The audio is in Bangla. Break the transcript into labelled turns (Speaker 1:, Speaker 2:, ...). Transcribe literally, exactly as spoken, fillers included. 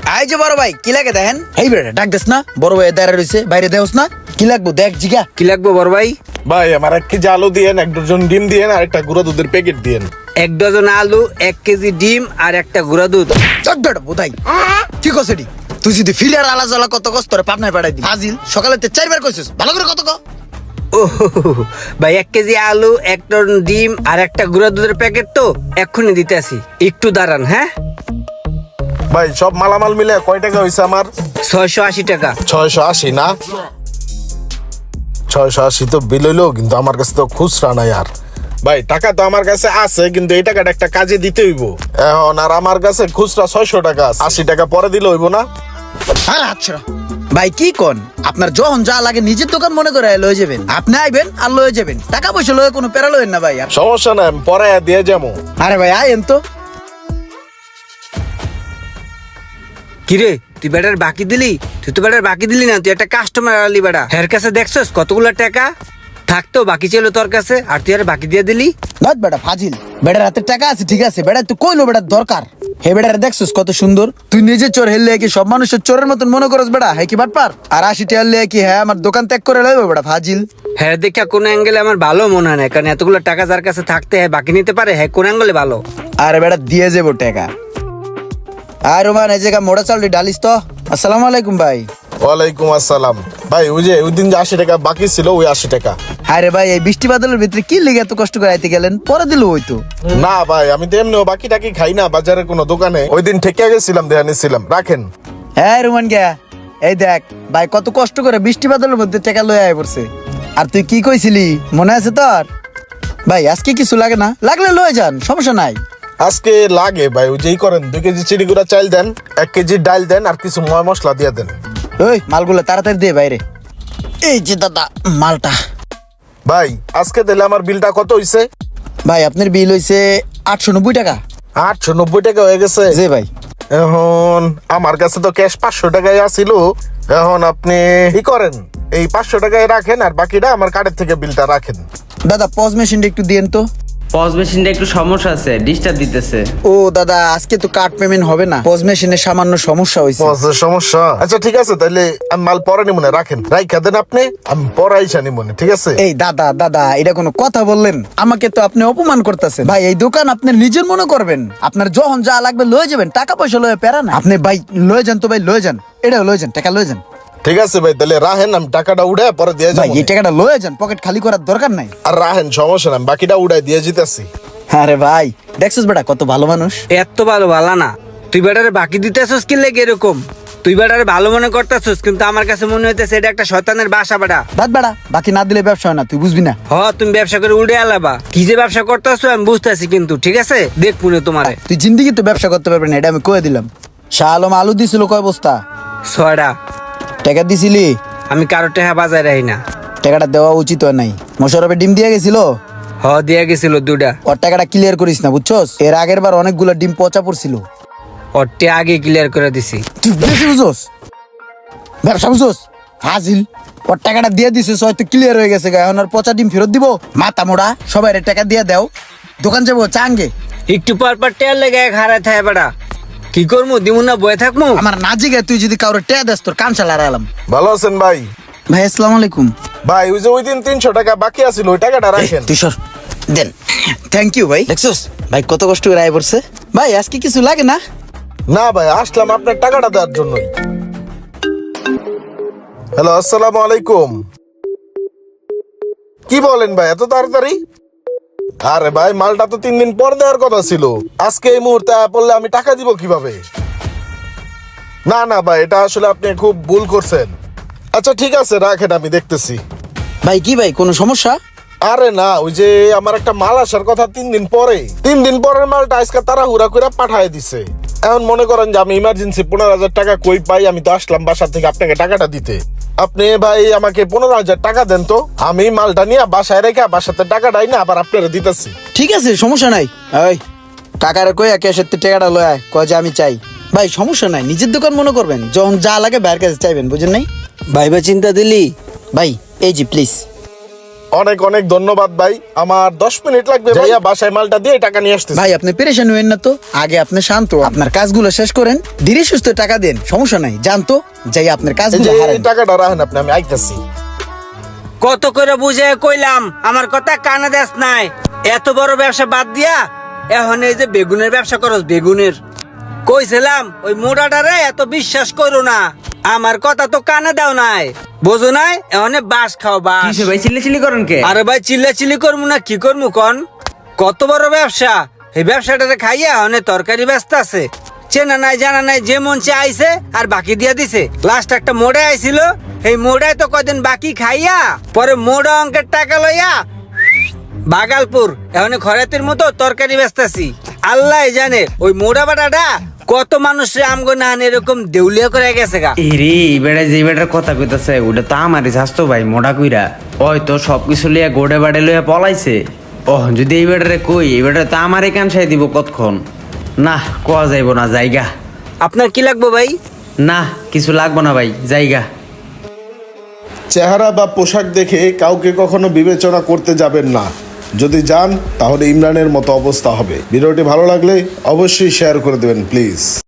Speaker 1: আই যে বড় ভাই কি লাগে দেখেন? এই বেটা ডাক দেস না, বড় ভাই দাঁড়া রইছে, বাইরে দেওস না। কি লাগবো দেখ জিগা।
Speaker 2: কি লাগবো বড় ভাই?
Speaker 3: ভাই আমার এক কেজি আলু দিয়েন, এক ডজন ডিম দিয়েন, আর একটা গুঁড়া দুধের প্যাকেট দিয়েন।
Speaker 2: এক ডজন আলু, এক কেজি ডিম আর একটা গুঁড়া দুধ।
Speaker 1: চট বেটা বোধাই কি কসেডি? তুই যদি ফিলার আলা জ্বালা কত কষ্ট করে পাবনায় পাঠাই দি হাজিল সকালে তে চারবার কইছিস, ভালো করে কত ক।
Speaker 2: ও ভাই, এক কেজি আলু, এক টন ডিম আর একটা গুঁড়া দুধের প্যাকেট তো এক্ষুনি দিতে আসি, একটু দাঁড়ান। হ্যাঁ
Speaker 3: ভাই সব মালামাল মিলে কয় টাকা হয়েছে আমার?
Speaker 2: ছয়শো আশি টাকা।
Speaker 3: ছয়শো আশি না? ছয়শো আশি তো বিল হইলো, কিন্তু আমার কাছে তো খুচরা নাই। আর ভাই টাকা তো আমার কাছে আছে, কিন্তু এই টাকাটা একটা কাজে দিতে হইব এখন। আর আমার কাছে খুচরা ছয়শো টাকা আছে, আশি টাকা পরে দিলে হইব না?
Speaker 1: আরে আচ্ছা ভাই কি কোন, আপনার যখন যা লাগে নিজের দোকান মনে করে লয়ে যাবেন। আপনি আইবেন আর লয়ে যাবেন, টাকা পয়সা লয়ে কোনো প্যারা লয়েন না ভাই। আর
Speaker 3: সমস্যা নাই, আমি পরে দিয়ে যাবো।
Speaker 1: আরে ভাই আইন তো।
Speaker 2: কিরে তুই বেটার বাকি দিলি? তুই তো বেটার বাকি দিলি না, তুই একটা কাস্টমার আলি বেটা। হের কাছে দেখছস কতগুলো টাকা থাকতো বাকি ছিল তোর কাছে, আর তুই আর বাকি দিয়ে দিলি।
Speaker 1: নট বেটা ফাজিল, বেটার হাতে টাকা আছে ঠিক আছে, বেটা তুই কইলো বেটার দরকার। হে বেটার দেখছস কত সুন্দর, তুই নিজে চোর হেললে কি সব মানুষের চোরের মতন মনে করস বেটা? হ্যাঁ কি বাটপার? আর আশি টাকা হলে কি হ্যাঁ আমার দোকান ত্যাগ করে লইব বেটা ফাজিল।
Speaker 2: হ্যাঁ দেখা কোন অ্যাঙ্গেলে আমার ভালো মনে হয় না, কারণ এতগুলো টাকা যার কাছে থাকতে হ্যাঁ বাকি নিতে পারে, হ্যাঁ কোন অ্যাঙ্গেলে ভালো।
Speaker 1: আরে বেটা দিয়ে যাবো টাকা। আর রোমান এই জায়গা মোড়া চাল ডালিস তো। আসসালামু আলাইকুম ভাই।
Speaker 3: ওয়ালাইকুম আসসালাম। ভাই ওই যে ওই দিন যে আশি টাকা বাকি ছিল, ওই আশি টাকা।
Speaker 1: আরে ভাই এই বৃষ্টি বাদলের ভিতরে কি লেগে এত কষ্ট করে আইতে গেলেন? পরে দিল ওই তো।
Speaker 3: না ভাই আমি তো এমনিও বাকি টাকি খাই না বাজারে কোনো দোকানে, ওই দিন ঠেকে গেছিলাম, দেয়া নিছিলাম, রাখেন।
Speaker 1: হ্যাঁ রোমান গিয়া এই দেখ ভাই কত কষ্ট করে বৃষ্টি বাদলের মধ্যে টাকা লয়ে আয় পড়ছে। আর তুই কি কইছিলি মনে আছে তোর? ভাই আজকে কিছু লাগে না, লাগলে লয়ে যান, সমস্যা নাই।
Speaker 3: আজকে লাগে ভাই, ওই যেই করেন দুই কেজি চিড়িগুড়া চাল দেন, এক কেজি ডাল দেন, আর কিছু ময় মশলা দিয়ে দেন।
Speaker 1: ওই মালগুলো তাড়াতাড়ি দিয়ে বাইরে। এই যে দাদা মালটা।
Speaker 3: ভাই আজকে দিলে আমার বিলটা কত হইছে?
Speaker 1: ভাই আপনার বিল হইছে আটশো নব্বই টাকা।
Speaker 3: আটশো নব্বই টাকা হয়ে গেছে।
Speaker 1: জি ভাই।
Speaker 3: এখন আমার কাছে তো ক্যাশ পাঁচশো টাকায় আসিল, এখন আপনি কি করেন, এই পাঁচশো টাকায় রাখেন, আর বাকিটা আমার কার্ডের থেকে বিলটা রাখেন।
Speaker 1: দাদা পজ মেশিনটা একটু দিয়েন তো।
Speaker 4: পজ মেশিনটা একটু সমস্যা আছে, ডিস্টার্ব দিতেছে।
Speaker 1: ও দাদা আজকে তো কার্ড পেমেন্ট হবে না, পজ মেশিনের সামান্য সমস্যা হয়েছে।
Speaker 3: বসের সমস্যা? আচ্ছা ঠিক আছে, তাহলে আমি মাল পরে নিব না, রাখেন, রাইখা দেন আপনি, আমি পরে আইসা নিব না, ঠিক আছে?
Speaker 1: এই দাদা দাদা এটা কোনো কথা বললেন? আমাকে তো আপনি অপমান করতেছেন ভাই। এই দোকান আপনি নিজের মনে করবেন, আপনার যখন যা লাগবে লয়ে যাবেন, টাকা পয়সা লয়ে পেরা না। আপনি ভাই লয়ে যান তো ভাই, লয়ে যান, এটা লয়ে যান, টাকা লয়ে যান।
Speaker 3: ঠিক আছে ভাই, তাহলে রাহেন, আমি টাকাটা উড়ে পরে দিয়ে
Speaker 1: ভাই
Speaker 3: যাবো।
Speaker 1: এই টাকাটা লয়ে যান, পকেট খালি করার দরকার নাই।
Speaker 3: আর রাহেন, সমস্যা না, আমি বাকিটা উড়াই দিয়ে যেতেছি।
Speaker 1: আরে ভাই দেখছিস বেটা কত ভালো মানুষ।
Speaker 2: এত ভালো ভালো না, তুই বেটারে বাকি দিতেছস কি লেগে এরকম? তুই বেটারে ভালো মনে করতেছস, কিন্তু আমার কাছে মনে হইতেছে এটা একটা শয়তানের বাসা বেটা।
Speaker 1: বাদ বেটা, বাকি না দিলে ব্যবসা হয় না, তুই বুঝবি না।
Speaker 2: হ তুমি ব্যবসা করে উড়ে আলাবা, কি যে ব্যবসা করতেছো আমি বুঝতেছি, কিন্তু ঠিক আছে দেখ পুনে তোমারে।
Speaker 1: তুই জিন্দিগি তো ব্যবসা করতে পারবি না, এটা আমি কয়ে দিলাম। শাহ আলম আলু দিছিল কয় বস্তা?
Speaker 2: ছয়টা।
Speaker 1: টাকা দিছিলি?
Speaker 2: আমি কারো টেহা বাজায় রাখি না।
Speaker 1: টাকাটা দেওয়া উচিত হয় নাই। মোশারফে ডিম দিয়ে গেছিল,
Speaker 2: হ দিয়া গেছিল দুটা।
Speaker 1: ওর টাকাটা ক্লিয়ার করিস না বুঝছস? এর আগের বার অনেকগুলো ডিম পচা পড়ছিল।
Speaker 2: ওরটে আগে ক্লিয়ার করে দিছি।
Speaker 1: তুই বেশি বুঝছস, ব্যবসা বুঝছস হাজিল। ওর টাকাটা দিয়ে দিছিস, হয়তো ক্লিয়ার হয়ে গেছে, এখন আর পচা ডিম ফেরত দিব? মাথা মোড়া, সবাই টাকা দিয়ে দাও, দোকান যাবো চাঙ্গে।
Speaker 2: একটু পর পর টেয়ার লেগে হারায় থাকে বেটা, কি করবো দিমু না বয়ে থাকবো?
Speaker 1: আমার না জিগে তুই যদি কাউরে টেয়া দেস তোর কান চালা আলাম।
Speaker 3: ভালো আছেন ভাই?
Speaker 1: ভাই আসসালামু আলাইকুম।
Speaker 3: ভাই ওই যে ওই দিন তিনশো টাকা বাকি আছিল, ওই টাকাটা রাখেন।
Speaker 1: তুই সর দেন। থ্যাংক ইউ ভাই। দেখছস ভাই কত কষ্ট করে আয় পড়ছে। ভাই আজকে কিছু লাগে না?
Speaker 3: না ভাই, আসলাম আপনার টাকাটা দেওয়ার জন্যই। হ্যালো, আসসালামু আলাইকুম। কি বলেন ভাই এত তাড়াতাড়ি? আরে ভাই মালটা তো তিন দিন পর দেওয়ার কথা ছিল, আজকে এই মুহূর্তে পড়লে আমি টাকা দিব কিভাবে? না না ভাই, এটা আসলে আপনি খুব ভুল করছেন। আচ্ছা ঠিক আছে রাখেন, আমি দেখতেছি।
Speaker 1: ভাই কি ভাই কোনো সমস্যা?
Speaker 3: আরে না, ওই যে আমার একটা মাল আসার কথা তিন দিন পরে, তিন দিন পরের মালটা আজকে তারা হুরা করে পাঠায় দিছে। এখন মনে করেন যে আমি ইমার্জেন্সি পনেরো হাজার টাকা কই পাই, আমি তো আসলাম বাসা থেকে আপনাকে টাকাটা দিতে। আপনি ভাই আমাকে পনেরো হাজার টাকা দেন তো, আমি মালটা নিয়ে বাসায় রেখে বাসাতে টাকাটাই না আবার আপনারা দিতেছি।
Speaker 1: ঠিক আছে সমস্যা নাই। ওই কাকার কই ক্যাশের টাকাটা লয় কয় যে আমি চাই। ভাই সমস্যা নাই, নিজের দোকান মনে করবেন, যখন যা লাগে বাইরের কাছে চাইবেন, বুঝেন নাই?
Speaker 2: ভাইবা চিন্তা দিলি?
Speaker 1: ভাই এই জি প্লিজ।
Speaker 3: অনেক অনেক ধন্যবাদ ভাই, আমার দশ মিনিট লাগবে ভাইয়া, বাসায় মালটা দিয়ে টাকা নিয়ে আসতেছি।
Speaker 1: ভাই আপনি পেরেশান হইেন না তো, আগে আপনি শান্ত হন। আপনার কাজগুলো শেষ করেন, ধীরে সুস্থ টাকা দেন, সমস্যা নাই। জানতো যাই আপনার
Speaker 3: এই
Speaker 1: কাজগুলো
Speaker 3: যে
Speaker 1: হারান।
Speaker 3: এই টাকাটা রাখেন আপনি, আমি আইতাছি।
Speaker 2: কত করে বুঝে কইলাম আমার কথা কানে দেস নাই। এত বড় ব্যবসা বাদ দিয়া এখন এই যে বেগুনের ব্যবসা করস, বেগুনের কইছিলাম ওই মোটাটারে এত বিশ্বাস করো না, আমার কথা তো কানে দাও নাই, বোঝো নাই? এখন বাস খাও বাস।
Speaker 4: কিসে ভাই চিল্লি চিল্লি করেন কে?
Speaker 2: আরে ভাই চিল্লা চিল্লি করবো না কি করবো কন? কত বড় ব্যবসা, এই ব্যবসাটারে খাইয়া অনেক তরকারি ব্যস্ত আছে, চেনা নাই জানা নাই, যে মন চে আইছে আর বাকি দিয়া দিছে। লাস্ট একটা মোড়ে আইছিল, এই মোড়ায় তো কদিন বাকি খাইয়া পরে মোড়া অঙ্কের টাকা লইয়া বাগালপুর এখন খরাতের মতো তরকারি ব্যস্তাছি। আল্লাহ জানে ওই মোড়া বাটাটা কত মানুষের আমগো না এরকম দেউলিয়া করে গেছে গা।
Speaker 4: এরে বেড়া যে বেটার কথা কইতাছে ওটা তো আমারই স্বাস্থ্য ভাই মোটা কইরা, ওই তো সবকিছু লিয়া গোড়ে বাড়ে লইয়া পলাইছে। ওহ যদি এই বেটারে কই, এই বেটারে তো আমারই কানসাই দিব কতক্ষণ। না কোয়া যাইব না, জায়গা।
Speaker 2: আপনার কি লাগবে ভাই?
Speaker 4: না কিছু লাগবো না ভাই, জায়গা।
Speaker 3: চেহারা বা পোশাক দেখে কাউকে কখনো বিবেচনা করতে যাবেন না, যদি যান তাহলে ইমরানের মতো অবস্থা হবে। ভিডিওটি ভালো লাগলে অবশ্যই শেয়ার করে দেবেন প্লিজ।